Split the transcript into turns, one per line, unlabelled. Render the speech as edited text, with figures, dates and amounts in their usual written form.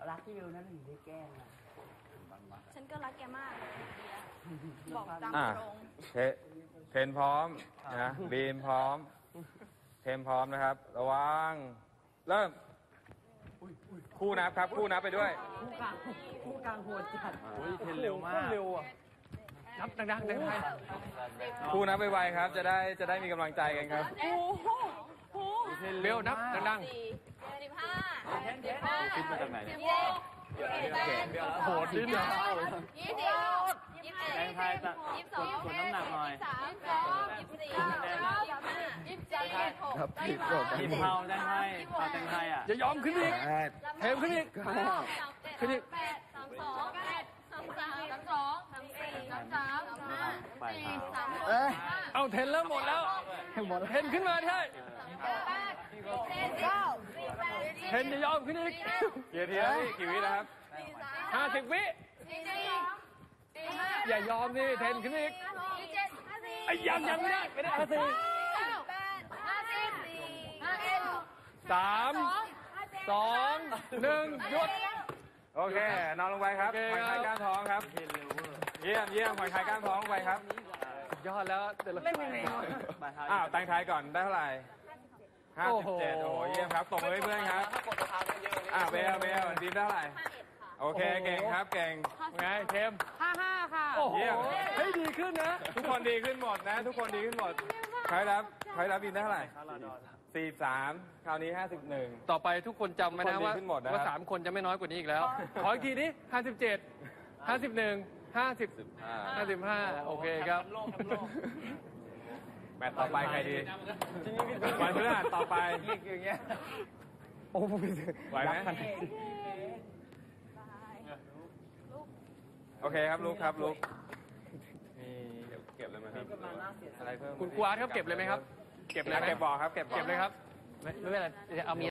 รักที่วิวนั่นถึงได้แกล้งนะ
ฉันก็รักแกมากเลยบอกตามตรง
เทนพร้อมนะบีมพร้อมเทนพร้อมนะครับระวังเริ่มคู่นับครับคู่นับไปด้วย
คู่กลางโหดจัด
เทนเร็วมากเร็วอ่ะนับดังๆได้ไหม
คู่นับไวๆครับจะได้มีกำลังใจกันครับ
โอ้โหโอ้โห
เร็วนับดัง
15
คิดมาจากไหนเนี่ย
16
โหดดิ้นเลย
20 21
แรงไทยจะกดน้ำหนักหน่อย
ครับผิดกฎ
ทีมเผาแตงไทยเผาแตงไทยอ่ะ
จะยอมขึ้นอีก
เทมขึ้นอีก
ขึ้นอีก32
ไปครับ
เอาเทนเริ่มหมดแล้วเทนขึ้นมาใช่เทนจะยอมขึ้นอีกกี่ทีแล้วกี่วิแล้วครับ50 วิอย่ายอมสิเทนขึ้นอีกไอ้ยังไม่ได้3 2 1หยุดโอเคนอนลงไปครับผ่อนคลายกล้ามท้องครับเยี่ยมผ่อนคลายกล้ามท้องไปครับยอดแล้วเล่นยังไงอ้าวตั้งท้ายก่อนได้เท่าไหร่57โอ้โหเยี่ยมครับตบมือให้เพื่อนครับเบลดีเท่าไหร่โอเคเก่งครับเก่งไงเทม55ค่ะเยี่ยมเฮ้ยดีขึ้นนะทุกคนดีขึ้นหมดนะทุกคนดีขึ้นหมดใครรับบินได้เท่าไหร่43คราวนี้51
ต่อไปทุกคนจำไว้นะว่า3 คนจะไม่น้อยกว่านี้อีกแล้วขออีกทีนี้57 51 55โอเคครับ
แมตช์ต่อไปใครดีวันพฤหัสต่อไปอย่างเงี้ยโอ้ไหวไหมโอเคครับลุกครับลุกนี่เก็บเลยไหมครับอะไรเพิ่ม
คุณครูอาร์ตครับเก็บเลยไหมครับเก็บเลย
เก็บบอกครับเก็บเลยครับ
ไม่เป็นไรเอามี